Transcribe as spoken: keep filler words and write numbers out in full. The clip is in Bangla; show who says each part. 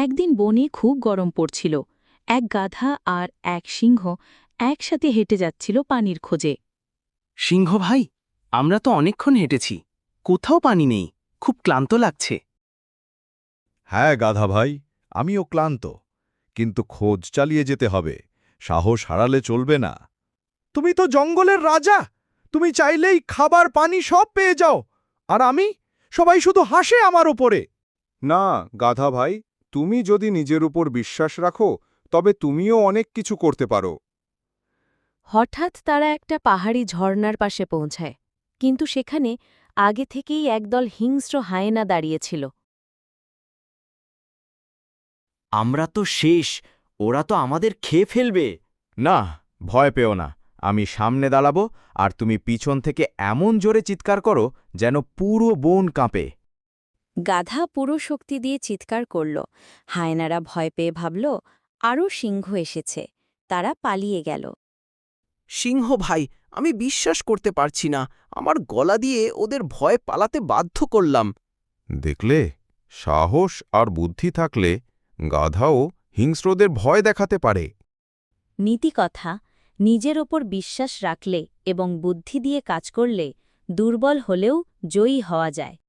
Speaker 1: একদিন বনে খুব গরম পড়ছিল। এক গাধা আর এক সিংহ একসাথে হেঁটে যাচ্ছিল পানির খোঁজে।
Speaker 2: সিংহ ভাই, আমরা তো অনেকক্ষণ হেঁটেছি, কোথাও পানি নেই, খুব ক্লান্ত লাগছে।
Speaker 3: হ্যাঁ গাধা ভাই, আমিও ক্লান্ত, কিন্তু খোঁজ চালিয়ে যেতে হবে, সাহস হারালে চলবে না। তুমি তো জঙ্গলের রাজা, তুমি চাইলেই খাবার পানি সব পেয়ে যাও, আর আমি, সবাই শুধু হাসে আমার ওপরে।
Speaker 4: না গাধা ভাই, তুমি যদি নিজের উপর বিশ্বাস রাখো তবে তুমিও অনেক কিছু করতে পারো।
Speaker 5: হঠাৎ তারা একটা পাহাড়ি ঝর্ণার পাশে পৌঁছায়, কিন্তু সেখানে আগে থেকেই একদল হিংস্র হায়েনা দাঁড়িয়েছিল।
Speaker 6: আমরা তো শেষ, ওরা তো আমাদের খেয়ে ফেলবে।
Speaker 3: না, ভয় পেও না, আমি সামনে দাঁড়াবো, আর তুমি পিছন থেকে এমন জোরে চিৎকার করো যেন পুরো বন কাঁপে।
Speaker 5: গাধা পুরো শক্তি দিয়ে চিৎকার করল। হায়নারা ভয় পেয়ে ভাবল আরও সিংহ এসেছে। তারা পালিয়ে গেল।
Speaker 2: সিংহ ভাই, আমি বিশ্বাস করতে পারছি না, আমার গলা দিয়ে ওদের ভয় পালাতে বাধ্য করলাম।
Speaker 4: দেখলে, সাহস আর বুদ্ধি থাকলে গাধাও হিংস্রদের ভয় দেখাতে পারে।
Speaker 5: নীতিকথা, নিজের ওপর বিশ্বাস রাখলে এবং বুদ্ধি দিয়ে কাজ করলে দুর্বল হলেও জয়ী হওয়া যায়।